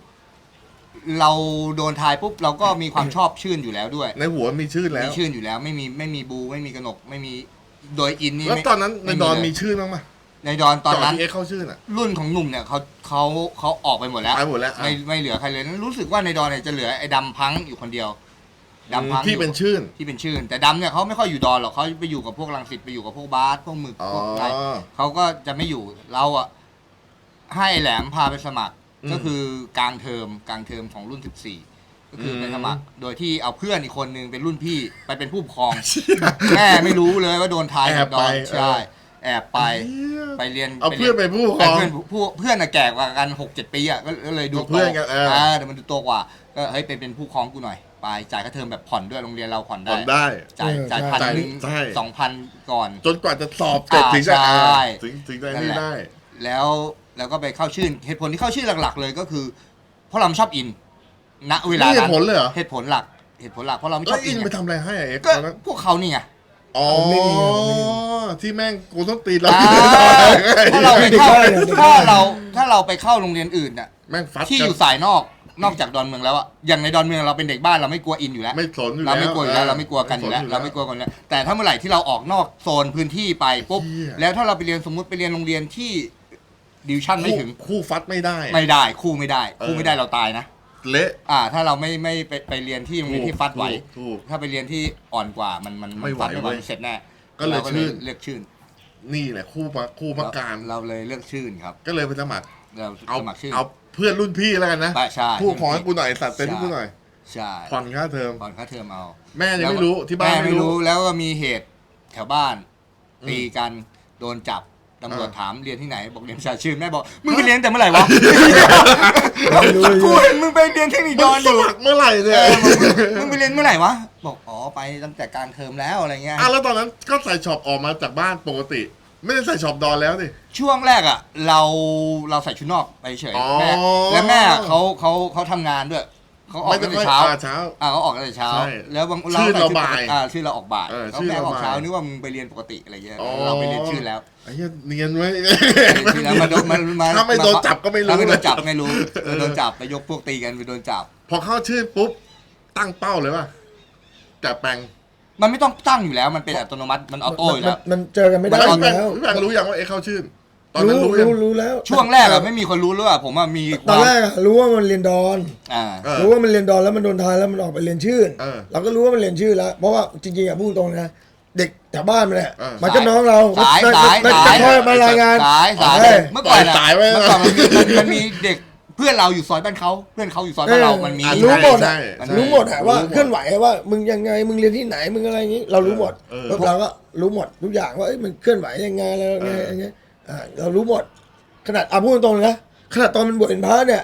โดนทายปุ๊บเราก็มีความชอบชื่นอยู่แล้วด้วย
ในหัวมีชื่อแล้
มี
ว
ชื่นอยู่แล้วไม่มีบูไม่มีกนกไม่มีโดยอินนี่
แล้ว
ไม่
ตอนนั้นในดอน
เลย
มีชื่อบ้างไหม
ในดอนตอนนั้น
ที่เอ็กซ์เข้าชื่อน่ะ
รุ่นของหนุ่มเนี่ยเขาออกไปหมดแล้ว
ไปหมดแล้ว
ไม่เหลือใครเลยนั้นรู้สึกว่าในดอนเนี่ยจะเหลือไอ้ดำพังอยู่คนเดียวดำพัง
ที่เป็นชื่น
ที่เป็นชื่น แต่ดำเนี่ยเขาไม่ค่อยอยู่ดอนหรอกเขาไปอยู่กับพวกรังสิตไปอยู่กับพวกบาสพวกหมึก
อ๋อ
พวกอะไรเขาก็จะไม่อยู่เราอะให้แหลมพาไปสมัคร ก็คือกลางเทอมของรุ่น 14 ก็คือไปสมัคร โดยที่เอาเพื่อนอีกคนนึงเป็นรุ่นพี่ไปเป็นผู้ปกครอง แม่ไม่รู้เลยว่าโดนทายกับดอนใช่แอบไปเรียน
เอาเพื่อนไปผู้ปกครอง
เพื่อนน่ะแก่กว่ากัน 6-7 ปีอะก็เลยดู
เพื่อนกัน
แต่มันดูโตกว่าก็เฮ้ยเป็นผู้ปกครองกูหน่อยไปจ่ายค่าเทอมแบบผ่อนด้วยโรงเรียนเราผ่อน
ผ่อน
ได้
ได้
จ่ายพันหนึ่ง
ใช่
2,000 ก่อน
จนกว่าจะสอบเสร็จถึงจะ
ใช่
ถึงจะนี่ได้
แล้วก็ไปเข้าชื่นเหตุผลที่เข้าชื่นหลักๆเลยก็คือ เพราะเราไม่ชอบอินณเวลา
นี่เหตุ
นั้น
ผลเลยเหรอ
เหตุผลหลักเพราะเราไม่ช
แล้
อ
ว
บ
อิ
อิ
น
น
ไปทำอะไรให้เอ็กซ์
ก็
ตอนนั้น
พวกเขานี่ไง
อ๋อ
ไม่มี
ที่แม่งกูต้องตีเรา
ถ้าเราไปเข้า
เด็กได้
ถ้าเราไปเข้าโรงเรียนอื่นน่ะ
แม่งฟัด
ที่อยู่สายนอกจากดอนเมืองแล้วอะอย่างในดอนเมืองเราเป็นเด็กบ้านเราไม่กลัวอินอยู่แล้ว
ไม่สนอยู่แล้ว
เราไม่กลัวอยู่แล้วเราไม่กลัวกันอยู่แล้วเราไม่กลัวกันแล้วแต่ถ้าเมื่อไหร่ที่เราออกนอกโซนพื้นที่ไปปุ๊บ
เหี้ย
แล้วถ้าเราไปเรียนสมมุติไปเรียนโรงเรียนที่ดิวชั่นไม่ถึง
คู่ฟัดไม่ได้
ไม่ได้คู่ไม่ได้เราตายนะ
เละ
ถ้าเราไม่ไปเรียนที่โรงเรียนที่ฟัดไหว
ถูก
ถ้าไปเรียนที่อ่อนกว่ามัน
ไม่ไหว
ฟัดไม่ไหว
เว้ย
เสร็จแน่
ก็เลย
รา
ชื่น
เลือกชื่น
นี่แหละคู่พักการ
เราเลยเลือกชื่นครับ
ก็เลยไปสมัคร
เรา
เอา
สมัครชื่น
เอาเพื่อนรุ่นพี่แล้วกันนะ
ใช่
ผู้ขอให้กูหน่อยสัตว์เต็มที่กูหน่อย
ใช่
ผ่อนค่าเทอม
ผ่อนค่าเทอมเอา
แม่ยังไม่รู้ที่บ้าน
แม่
ไม่
ไม่
รู้
รู้แล้วก็มีเหตุแถวบ้าน
อืม
ตีกันโดนจับตำรวจ
อ่า
ถามเรียนที่ไหนบอกเรียนประชาชื่นแม่บอกมึงไปเรียนแต่เมื่อไหร่วะ
ไม่รู้
กูเห็นมึงไปเรียนเทคนิคด
มึ
อง นอ
ส
ยู่
มัครเมื่อไหร่เนี่ย
มึงไปเรียนเมื่อไหร่วะบอกอ๋อไปตั้งแต่กลางเทอมแล้วอะไรเงี้ย
แล้วตอนนั้นก็ใส่ช็อปออกมาจากบ้านปกติ ไม่ได้ใส่ช็อปดอนแล้วดิ
ช่วงแรกอ่ะเราใส่ชุดนอกไปเฉย
อ๋อ
แม่และแม่เขาทำงานด้วยเขาออกตั้งแต่เช้า
เช้า
เขาออกตั้งแต่เช้า
ใช่
แล้วบาง
ชื่อเรา
ใส่ชุด
บ่าย
ชื่อเราออกบ่าย
ชื่อ
แม่
เรา
ออกเช้า
บ่าย
นึกว่ามึงไปเรียนปกติอะไรเงี้ย
อ๋อ
เราไปเรียนชื่อแล้ว
ไอ้เหี้ยเนียนไว้
ชื่อแล้วมาโดนมา
ถ้าไม่โดนจับก็ไม่รู้
ถ้าไม่โดนจับ
นะ
ไม่รู้โดนจับไปยกพวกตีกันไปโดนจับ
พอเข้าชื่อปุ๊บตั้งเป้าเลยว่าจะแปลง
มันไม่ต้องตั้งอยู่แล้วมันเป็นอัตโนมัติมันออโต้อยู่แล้ว
มันเจอกันไม่ได้
แปล
อง ยู่แล้ว
แปลงรู้ยังว่าเอ็กซ์เข้าชื่อตอนนั้นรู้ยัง
รู้แล้ว
ช่วงแรกอะไม่มีคนรู้เลยว่าผมว่ามี
ตอนแรกอะรู้ว่ามันเรียนดอน
อ่า
เออ
รู้ว่ามันเรียนดอนแล้วมันโดนทายแล้วมันออกไปเรียนชื่น
เออ
เราก็รู้ว่ามันเรียนชื่อแล้ว เพราะว่าจริงๆอะพูดตรงนะเด็กแถวบ้านมันแหละ
เออ
มันก็น้องเรา
สาย
มัน
สาย
คอยมารายงาน
สาย
เอ้ย
เมื่อก่อนอะ
สายไว้
เมื่อก่อนมันมีเด็กเพื่อนเราอยู่ซอยบ้านเขาเพื่อนเขาอยู่ซอยบ้านเรามันมี
รู้หมด
ใช่
อะ
ใช่
รู้หมดอะว่า
รู้หมด
เคลื่อนไหวว่ามึงยังไงมึงเรียนที่ไหนมึงอะไรอย่างนี้ เรารู้หมด
เออ
แล้วเราก็รู้หมดทุกอย่างว่าเอ้ยมันเคลื่อนไหวยังไงแล้วไงอย่างเงี้ยเรารู้หมด ขนาดพูดตรงๆนะขนาดตอนมันบวชเป็นพระเนี่ย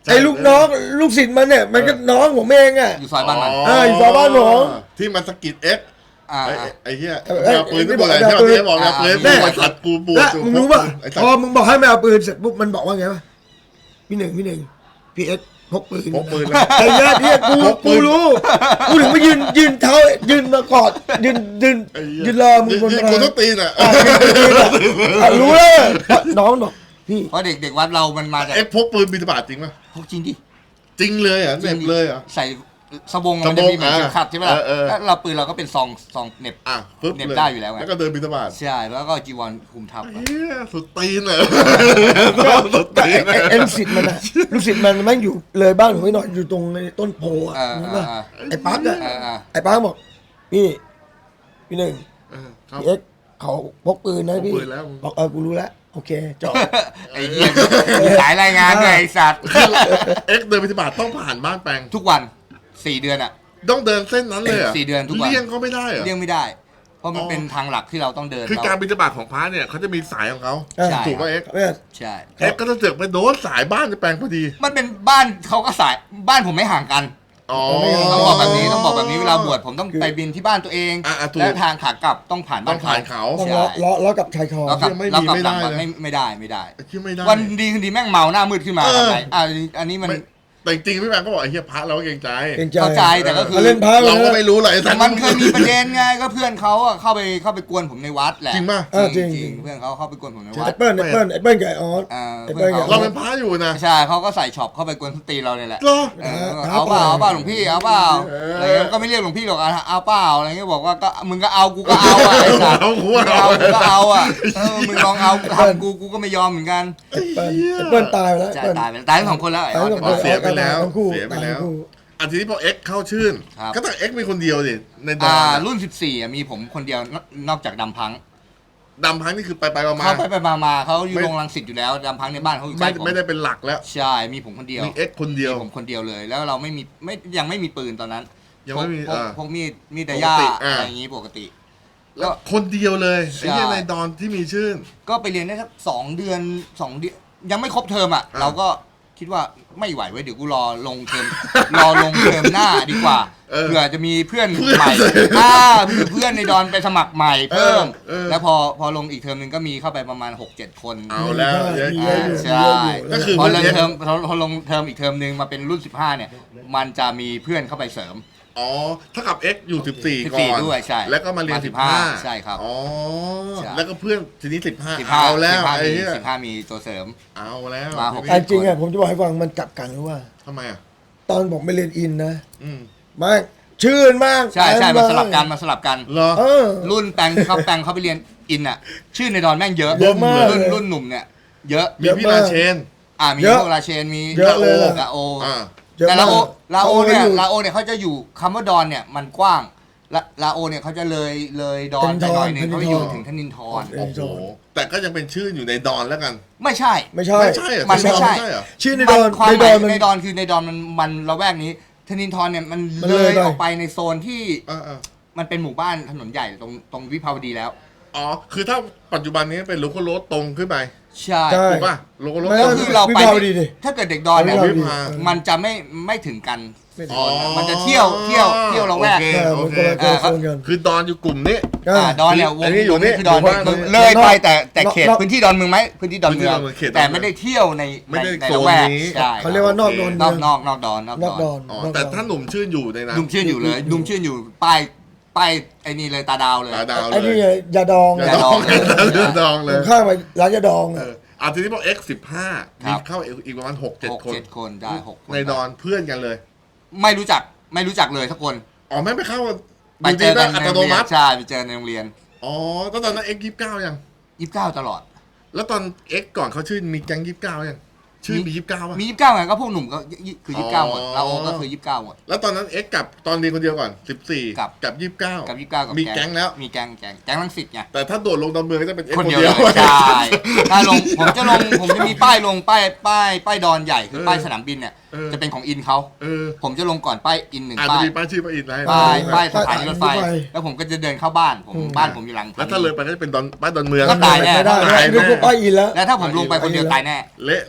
ไอ้ลูกน้องลูกศิษย์มันเนี่ยมันก็น้องผมเองอ่ะ
อยู่ซอยบ้านมัน
อยู่ซอยบ้านผม
ที่มันสะกิดเอ็ก
อ่า
ไอ้เหี้ยเอาปืนที่บอกอะไรที่มันบอกเอาปืน
แน่
กูขัดกูปวด
และมึงรู้ป่ะพอมึงบอกให้ไม่เอาปืนเสร็จปุ๊บมันบอกว่าไงวะพี่หนึ่งพี่เอ็กพกปืน
พกปืนแล้ว
ไอ้เหี้ยกูรู้กูถึงมายืนเท้ายืนมากอดยืนรอมึงบน
ยิงกูต้องตีนอ่ะ
รู้เลยน้องบอกพี่
เพราะเด็กวัดเรามันมาจาก
เอ็กพกปืนบินบาตจริงป่ะ
พกจริงดิ
จริงเลยเหรอเหน็บเลยเหรอ
ใส่สบงมันจะมีเหมือนเข็มขัดใช่ไหมล่ะ
เออ
แล้วเราปืนเราก็เป็นซองเหน็บ
ปึ๊บ
เหน็บ
เลย
ได้อยู่แล้วไง
แล้วก็เดินบินบาต
ใช่แล้วก็จีวรคุมทับ
เฮียสุดตีนเลยสุดตีน
ไอ้ลูกศิษย์มันอะลูกศิษย์มันแม่งอยู่เลยบ้านผมไม่หน่อยอยู่ตรงในต้นโพอ่ะรู้ป่ะไอ้ปั๊กอะไอ้ปั๊กบอกพี่หนึ่ง
ครับ
พี่เอ็กเขาพกปืนนะพี่
พกปืนแล้ว
บอกกูรู้แล้วโอเคจบ
ไอ้เหี้ยสายรายงานไงไอ้สัตว์
เอ็กเดินบินบาตต้องผ่านบ้านแปลง
ทุกวัน4 เดือนอ่ะ
ต้องเดินเส้นนั้นเลยเหร
4 เดือนทุกวัน
เลี่ยงก็ไม่ได้เหรอ
เลี่ยงไม่ได้ เพราะมันเป็นทางหลักที่เราต้องเดิน
คือการบินบาตของพระเนี่ยเขาจะมีสายของเขา
ใช่
ถูกป่ะเอ็ก
ใช่
เอ็กก็จะเสือกไปโดนสายบ้านในแปลงพอดี
มันเป็นบ้านเขาก็สายบ้านผมไม่ห่างกัน
อ๋อ
ต้องบอกแบบนี้เวลาบวชผมต้องไปบินที่บ้านตัวเอง
ถูก
และทางขากลับต้องผ่าน
ต้
บ้า
อน ง
เขา
ผ่านเขา
ต้อง
ใช่
ล้อกับชายคอ
แล้วกลับ
ไม่
แล้วกลับ
ไม่
หลัง
ได้
มัน
นะ
ไม่ได้ไม่ได้
คิดไม่ได้
วันดีคืนดีแม่งเมาหน้ามืดขึ้นมา
เออ
ทำไงอันนี้มัน
ไม่แต่จริงๆพี่แบงค์ก็บอกไอ้เหี้ยพระเราก็เกรงใจ
เข้าใจแต่ก็คือ
เล่นพระ
เราก็ไม่รู้หรอกไอ้สัตว์
มันเคยมีประเด็นไงก็เพื่อนเขาอะเข้าไปกวนผมในวัดแหละ
จริงป่ะ
จริงเพื่อนเขาเข้าไปกวนผมในวั
ไอ้
ด
เปิ้ลกับไอ้ออส ไอ้เปิ้ล
เราเป็นพระอยู่นะ
ใช่เขาก็ใส่ช็อปเข้าไปกวนสตรีเราเนี่ยแหละ
เหรอ
เอาเปล่าหลวงพี่เอาเปล่าอะไรเงี้ยก็ไม่เรียกหลวงพี่หรอกเอาเปล่าอะไรเงี้ยบอกว่าก็มึงก็เอากูก็เอาอ่ะไอ้สัตว์
เอากู
มึง
เอา
เอากูก็เอาอ่ะมึงลองเอาทำกูก็ไม่ยอมเหมือนกัน
ไอ้เปิ้ลตายไปแล้ว
ใช่ตายไปทั้งสองคนแล้วไอ้ออส
อ๋อเสียไปแล้ว
ทั้งคู่
เสียไปแล้ว
ทั้งคู่
อันทีนี้พอเอ็กเข้าชื่น
ครับ
ก็ต้องเอ็กมีคนเดียวดิในดอน
รุ่น14อ่ะมีผมคนเดียวนอกจากดำพัง
ดำพังนี่คือไปมา
เขาไปมาเขาอยู่โรงรังสิตอยู่แล้วดำพังในบ้านเขาอยู่ใกล้ผม
ไม่ได้เป็นหลักแล้ว
ใช่มีผมคนเดียว
มีเอ็กคนเดียว
มีผมคนเดียวเลย แล้วเรายังไม่มีปืนตอนนั้น
ยังไม่มี
พวกมีดดายา
ปกติ
อะไรอย่างงี้ปกติ
แล้วคนเดียวเลย
ใช่
ไอ้เหี้ยในดอนที่มีชื่น
ก็ไปเรียนได้สัก2 เดือนยังไม่ครบเทอมอ่ะ เราก็คิดว่าไม่ไหวเว้ยเดี๋ยวกูรอลงเทอม หน้าดีกว่าเผื่อจะมีเพื่อนใหม่เพื่อนในดอนไปสมัครใหม่เพิ่ม แล้วพอลงอีกเทอมนึงก็มีเข้าไปประมาณ 6-7 คน
เอาแล้วเยอะ
ใช่
ก็คือ
พอลงเทอมพอลงเทอมอีกเทอมนึงมาเป็นรุ่น15เนี่ยมันจะมีเพื่อนเข้าไปเสริม
อ๋อถ้ากับเอ็กอยู่14ก่อน
ด้วยใช่
แล้วก็มาเรียน
มา
15
ใช่ครับ
อ๋อ
ใช่
แล้วก็เพื่อนทีนี้15
15
เอาแล้วไอ้เหี้ย
15มีตัวเสริม
เอาแล้ว
มาหก
แต่จริงอะผมจะบอกให้ฟังมันกลับกันรู้ว่า
ทำไมอ่ะ
ตอนผมไปเรียนอินนะ
อืม
มากชื่นมาก
ใช่มาสลับกัน
เหรอ
เออ
รุ่นแปลงเขาไปเรียนอินอ่ะ ชื่อในดอนแม่งเยอะ
เยอะมาก
รุ่นหนุ่มเนี่ย เยอะ
มีพี่ราเชน
มี
เยอะ
พวกราเชนมี
เยอะเลยล่ะ
ลาโอ
อ่า
เยอะ
แต่
มาก
ลาโอเนี่ย
ขาอยู่
ลาโอเนี่ยเขาจะอยู่คำว่าดอนเนี่ยมันกว้างลาโอเนี่ยเขาจะเลยดอนไปหน่อยหนึงเขาจะอยู่ถึงธนินทร
เออ
โอ้โหแต่ก็ยังเป็นชื่ออยู่ในดอนแล้วกัน
ไม่ใช่
ไม่ใช่
ไม่ใช่เหรอ
มันไม่ใช่
เหรอ
ชื่อในดอน
ความ
ใน
ห
ด
มา
อย นมัน
ในดอนคือในดอนมันละแวกนี้ธนินทรเนี่ยมัน
มัน
เล
เลย
ย
ไป
ออกไปในโซนที่
อ่า
มันเป็นหมู่บ้านถนนใหญ่ตรงวิภาวดีแล้ว
อ๋อ คือถ้าปัจจุบันนี้เป็นลูกโรถตรงขึ้นไป
ใช่
ใช่
ถูกป่ะลูกโรถ
ไม่
ตรง
ก็คือเราไป
วิภาวดีดิ
ถ้าเกิดเด็กดอนเนี่ย
วิภาวดี
มันจะไม่ถึงกัน
ไม่ถึง
อ๋อ
มันจะเที่ยวละแวก
โอเค
ใช่
โอ
มัน
เค
คนละโซนกัน
คือดอนอยู่กลุ่มนี้
ดอนเนี่ยว
อั
ง
นนี้อยู่นี่
คือดอน
หมู่บ้าน
เลยไปแต่เขต
นอก
พื้นที่ดอนเมืองไหมพื้นที่ดอนเมือง
พื้นที่ดอนเมืองเขตดอนเมือง
แต่ไม่ได้เที่ยวใน
ไม่ได้
ใน
โซน
ละแวก
นี้
ใช่
เขาเรียกว่านอกโดน
น
เมื
อ
อก ง
นอกดอน
นอกดอน
อ๋อ แต่ถ้าหนุ่มชื่นอยู่ในนั้น
ดุมชื่นอยู่เลยดุมชื่นอยู่ป้ายไอ้นี่เลยตาดาวเลย
ตาดาว
ไอ้
เล
นี่
ย
ไงยาดอง
อย่าดองอย่าดองเลย
ข้างไปร้านยาดอง
เอ
อะ
อทีนี้พอ X15
ครั
มี
บ
เข้าอีกประมาณ 6-7 คน
6-7 คนได้6คน
ในดอนเพื่อนกันเลย
ไม่รู้จักเลยทุกคน
อ๋อไม่ไปเข้า
ไปเจอกัน
อั
ใน
ต
โรง
โน
เรีย
มั
น
ติ
ใช่ไปเจอในโรงเรียน
อ๋อตอนนั้น X29 ยัง
29ตลอด
แล้วตอน X ก่อนเขาชื่อมีแก๊ง29ยังชื่อมี29ป่ะ
มี29ไงก็พวกหนุ่มก็คือ29หมด
อ๋อ
เราโอก็คือ29หมด
แล้วตอนนั้น X กับตอนเรียนคนเดียวก่อน14
กับ
กับ29
กับ29กับ
มีแก๊งแล้ว
มีแก๊งรังสิตไง
แต่ถ้าโดดลงดอนเมืองก็จะเป็น X
คนเดียวเลยใช่ ถ้าลงผมจะมีป้ายลงป้ายดอนใหญ่คือป้ายสนามบินเนี่ยจะเป็นของอินเขา
เออ
ผมจะลงก่อนป้ายอินหนึ่ง
อาจจะ
ป้าย
มีป้ายชื่อป้ายอินอะไร
ป้ายสถานีรถไฟ แล้วผมก็จะเดินเข้าบ้านบ้านผมอยู่หลัง
แล้วถ้าเลยไปก็จะเป็นป้ายดอนเมือง
ก็ตายแน่
ไม่ได้
ตาย
ไม่
แน่
ได้ป้ายอินแล้ว
แล้วถ้าผมลงไปคนเดียวตายแน่
เละแน่ไอ้สั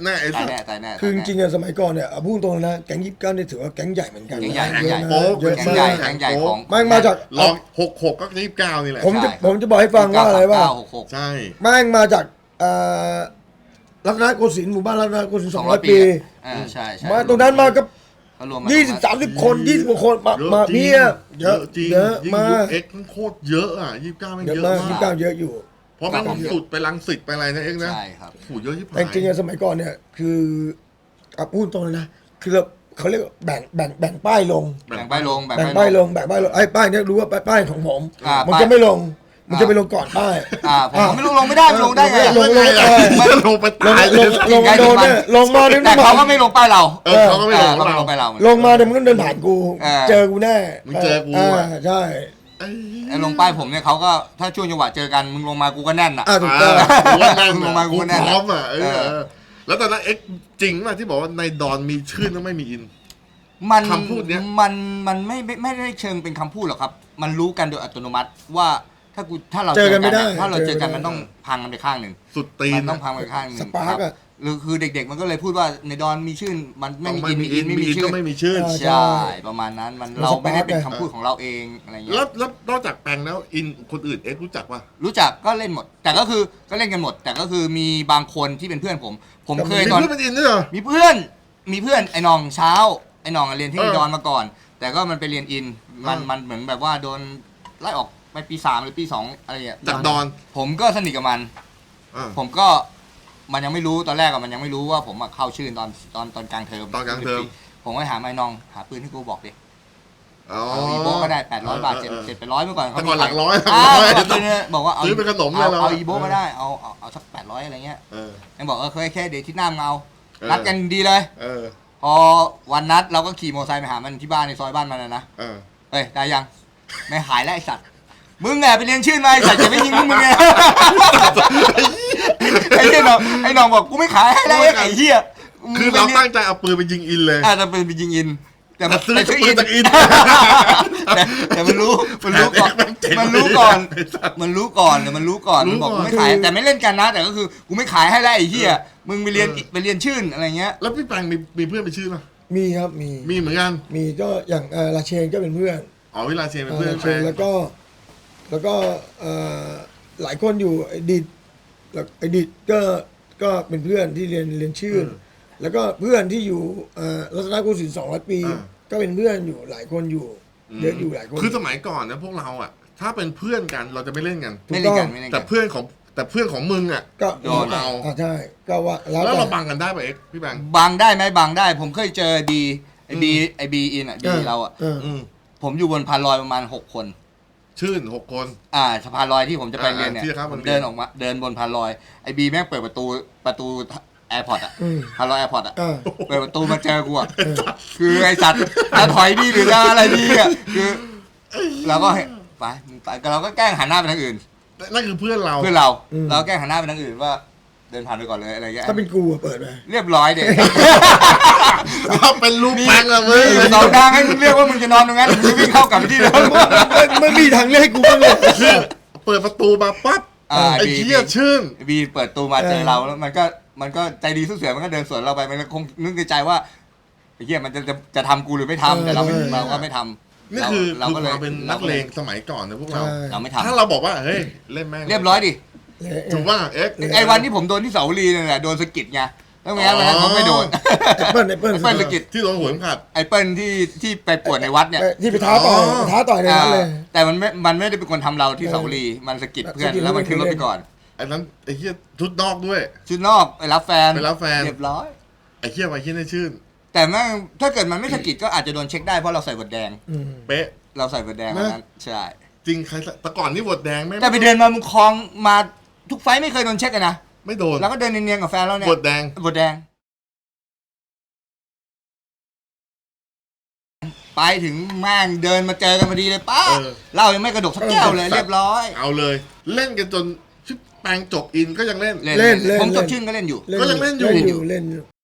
แน่ตายแน่
คือจริงๆอะสมัยก่อนเนี่ยพูดตรงๆนะแก๊ง29เนี่ยถือว่าแก๊งใหญ่เหมือนกัน
แก๊งใหญ่
เยอะนะ
โป๊ก
เยอะ
แก๊ง
มา
ใหญ่
ก
แก๊งใหญ่ของ
แม่งมาจาก
ลอง66ก็29นี่แหละ
ผมจะบอกให้ฟังว่าอะไรว่า
966
ใช่
แม่งมาจากรัตนโกสินทร์หมู่บ้านรัตนโกสินทร์200 ปี
ใช่ใช่
มาตรงนั้นมาก็
ก็รวม
20-30 คน20กว่าคนมา
จริง
เพียบเยอะ
จริง
เยอะ
ยิ่ง
มา
ยุค
ก
เอ็กซ์มันโคตรเยอะอ่ะ29มัน
เยอะ
เยอะ
มาก
มาก
29เยอะอยู่
เพราะมันสุดไปรังสิตไปอะไรนะเอ็กซ์นะ
ใช่ครับ
โอ้โหเยอะที่ผ่า
แต่
น
จริงๆอะสมัยก่อนเนี่ยคือพูดตรงเลยนะคือเขาเรียกว่าแบ่งป้ายลง
แบ่งป้ายลง
แบ่งป้ายลงไอ้ป้ายเนี่ยรู้ว่าป้ายของผม มัน
ป้าย
จะไม่ลง มันจะไปลงก่อนป้าย
ผมไม่รู้ลงไม่ได้มันลงได้ไง
ลง
มันลงไปตายเลย
ลงโดนเนี่ยลงมาเนี่ย
แต่เขาก็ไม่ลงป้ายเรา
เขาก็ไม่ลง
เขาไม่
เรา
ลงป้ายเรา
ลงมาเนี่ยมันก็เดินผ่านกู เจอกูแน่
มึงเจอกูอะ
ใช่
ไอ้ลงป้ายผมเนี่ยเขาก็ถ้าช่วงจังหวะเจอกันมึงลงมากูก็แน่นอ่ะ
ถูกต้อง
กูว่านั่ง
ลงมากูแน่
พร้อมอ่ะแล้วตอนนั้นเอ็กซ์จริงป่ะที่บอกว่าในดอนมีชื่อแล้วไม่มีอิน
มัน
คำพูดเนี้ย
มันไม่ได้เชิงเป็นคำพูดหรอกครับ มันรู้กันโดยอัตโนมัติว่าถ้าเรา
เจอกันไม่ได้
ถ้าเราเจอกัน
เจอกัน
มันต้องพังกันไปข้างหนึ่ง
สุดตีน
มันต้องพังไปข้างหนึ่ง
สปาร์กอะ
หรือคือเด็กๆมันก็เลยพูดว่าในดอนมีชื่อมันไม่มีอิน
มีอิน
ไม่
มี
มี
อิน
ชื่
ก็
อ
ไม่มีชื่อ
ใช่ประมาณนั้นมันเราไม่ได้เป็นคำพูดของเราเองอะไรเงี้ย
แล้วนอกจากแปลงแล้วอินคนอื่นเอ็กซ์รู้จักป่ะ
รู้จักก็เล่นหมด แต่ก็คือก็เล่นกันหมด แต่ก็คือมีบางคนที่เป็นเพื่อนผมเคย
มี
ตอน
เพื่อนเป็นอินด้วยเหรอ
มีเพื่อนไอ้น้องเช้าไอ้น้องเรียนที่
เออ
ดอนมาก่อน แต่ก็มันไปเรียนอินมันเหมือนแบบว่าโดนไล่ออกไปปี 3หรือปี 2อะไรอย่างเงี้ย
จากดอน
ผมก็สนิทกับมัน
อ่า
ผมก็มันยังไม่รู้ตอนแรกอะมันยังไม่รู้ว่าผมอะเข้าชื่อตอนกลางเทอม
ตอนกลางเทอม
ผมก็หาไอ้น้องหาปืนให้กูบอกดิ
อ๋อ
เอาอีโบก็ได้800 บาท700เมื่อก่อน
แต่ก่อนหลักร้อย
บอกว่าเอา
ซื้อเป็นขนมเลยเรา
เอาอีโบก็ได้เอาสัก800อะไรเงี้ย
เออ
ยังบอกแค่เดี๋ยวที่หน้ามึงเอา
เออ
นัดกันดีเลย
เออ
พอวันนัดเราก็ขี่มอเตอร์ไซค์ไปหามันที่บ้านในซอยบ้านมันนะ
เออ
เฮ้ยได้ยังไม่หายแล้วไอสัตว์มึงไงไปเรียนชื่อมาไอสัตว์จะไม่ยิงมึงไงไอ้น้องบอกกูไม่ขายให้แล้วไอ้เหี้ย
คือเราตั้งใจเอาปืนไปยิงอินเลย
จะเป็นไปยิงอินแต่มัน
ซื้อ
ไป
ปืนจากอิน
แต่มันรู้ก่อน
แม่งเจ๋ง
มันรู้ก่อน
ไอ้สัตว์
มันรู้ก่อนมันบอกกูไม่ขายแต่ไม่เล่นกันนะ แต่ก็คือกูไม่ขายให้แล้วไอ้เหี้ยมึงไปเรียนชื่ออะไรเงี้ย
แล้วพี่แปงมีเพื่อนไปชื่อป่ะ
มีครับมี
มีเหมือนกัน
มีก็อย่างราเชนก็เป็นเพื่อน
อ๋อวิลาเชนเป็นเพื่อน
ราเช
แป
น
ง
แล้วก็หลายคนอยู่ไอดิดแล้วไอดิดก็เป็นเพื่อนที่เรียนชื่อแล้วก็เพื่อนที่อยู่รัตนโกสินทร์200 ปี ก็เป็นเพื่อนอยู่หลายคนอยู่เยอะอยู่หลายคน
คือสมัยก่อนนะพวกเราอ่ะ ถ้าเป็นเพื่อนกันเราจะไม่เล่นกัน
ไม่เล่นกันไม่เล่น
แต่
กัน
เพื่อนของมึงอ่ะ
ก็
โดน
เอา
ใช่ก็ว่า
แล้ว
แต่
เราบังกันได้ป่ะเอ็กซ์พี่แบงค์
บังได้ไหมบังได้ ผมเคยเจอไอบีอินอ่ะบีเราอ่ะ
อืม
ผมอยู่บนพานลอยประมาณ6 คน
ชื่น6 คน
สะพานลอยที่ผมจะไปเรียนเนี่ย
ที่ครับ
ผมเดินออกมาเดินบนพานลอยไอบีแม่งเปิดประตูแอร์พอร์ตอ่ะพานลอยแอร์พอร์ตอ่ะ
อ่า
เปิดประตูมาเจอกูอ่ะคือไอสัตว์จะถอยดีหรือจะอะไรดีอ่ะคือเราก็ไปเราก็แกล้งหันหน้าไปทางอื่น
นั่นคือเพื่อนเรา
เพื่อนเราแกล้งหันหน้าไปทางอื่นว่า เดินผ่านไปก่อนเลยอะไรเงี้ย
ถ้าเป็นกูอะเปิดไป
เรียบร้อยเด็ก
เราเป็นลูกแป้งอะมึง
มีสองทางให้มึงเรียกว่ามึงจะนอนตรงนั้นมึงจะวิ่งเข้ากลับไปที่เดิม
ไม่มีทางเลือกให้กูบ้างเลย
คือเปิดประตูมาปั๊บไอ้เหี้ยชื่น
บีเปิดตู้มาเจอเราแล้วมันก็ใจดีสู้เสือมันก็เดินสวนเราไปมันก็คงนึกในใจว่าไอ้เหี้ยมันจะทำกูหรือไม่ทำแต่เราก็ไม่ทำ
นี่คือ
เราก็เลย
ความเป็นนักเลงสมัยก่อนนะพวกเรา
เราไม่ทำ
ถ้าเราบอกว่าเฮ้ยเล่นแม่ง
เรียบร้อยดิ
ถูกว่าเอ็กซ์
ไอ้วันที่ผมโดนที่เสาวรีเนี่ยแหละโดนสะกิดไงแล้วไงวันนั้นผมไม่โดน
ไอ้เปิ้ล
ไอ้เปิ้ลสะกิด
ที่โดนหัวเข็มขัด
ไอ้เปิ้ลที่ไปปวดในวัดเนี่ย
ที่ไปท้าต่อยในนั้นเลย
แต่มันไม่ได้เป็นคนทำเราที่เสาวรีมันสะกิดเพื่อน
สะกิด
แล้วมันขึ้นรถไปก่อน
ไอ้นั้นไอ้เหี้ยชุดนอกด้วย
ชุดนอกไปรับแฟน
ไปรับแฟน
เรียบร้อย
ไอ้เหี้ยไอ้เหี้ยได้ชื่น
แต่แม่งถ้าเกิดมันไม่สะกิดก็อาจจะโดนเช็คได้เพราะเราใส่บทแดง
เป๊ะ
เราใส่บทแดงวันนั้นใช่
จริงใครแต่ก่อนนี่บทแดงไม่
แต่ไปเดินมามึงคลองมาทุกไฟท์ไม่เคยโดนเช็คกันนะ
ไม่โดน
แล้วก็เดินเนียนๆกับแฟนเราเนี่ย
บทแดง
บทแดงไปถึงแม่งเดินมาเจอกันพอดีเลยป้าเหล้ายังไม่กระดกสักแก้วเลยเรียบร้อย
เอาเลย เล่นกันจนชุดแปลงจบอินก็ยังเล่น
เล่น
ผมจบชื่นก็เล่นอยู่
ก็ยังเล่นอยู่
เล่นอยู่